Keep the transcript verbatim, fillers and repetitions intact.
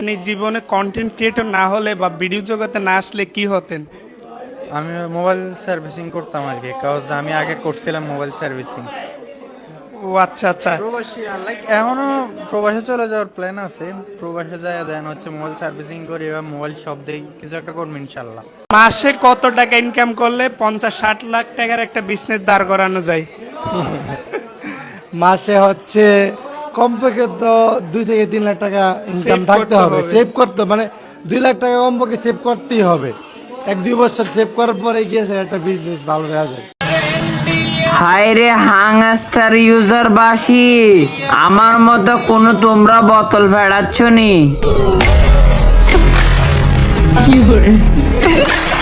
আপনি জীবনে content creator না হলে বা ভিডিও জগতে না আসলে কি হতেন? আমি মোবাইল সার্ভিসিং করতাম আর কি, কারণ আমি আগে করছিলাম মোবাইল সার্ভিসিং। ও আচ্ছা আচ্ছা। প্রবাসী লাইক এখনো প্রবাসে চলে যাওয়ার প্ল্যান আছে, প্রবাসে যায় দেন হচ্ছে মোবাইল সার্ভিসিং করি বা মোবাইল শপ দেই, কিছু একটা করবো ইনশাল্লাহ। মাসে কত টাকা ইনকাম করলে পঞ্চাশ ষাট লাখ টাকার একটা বিজনেস দাঁড় করানো যায়? মাসে হচ্ছে কমপক্ষে তো দুই থেকে তিন লাখ টাকা ইনকাম Save থাকতে করতে হবে, হবে। সেভ করতে মানে দুই লাখ টাকা কমপক্ষে সেভ করতেই হবে। এক দুই বছর সেভ করার পরে গিয়ে সেটা একটা বিজনেস ভালো দেওয়া যায়। হায় রে হাংস্টার ইউজার বাসি, আমার মতো কোন তোমরা বোতল ফেড়াচ্ছ নি?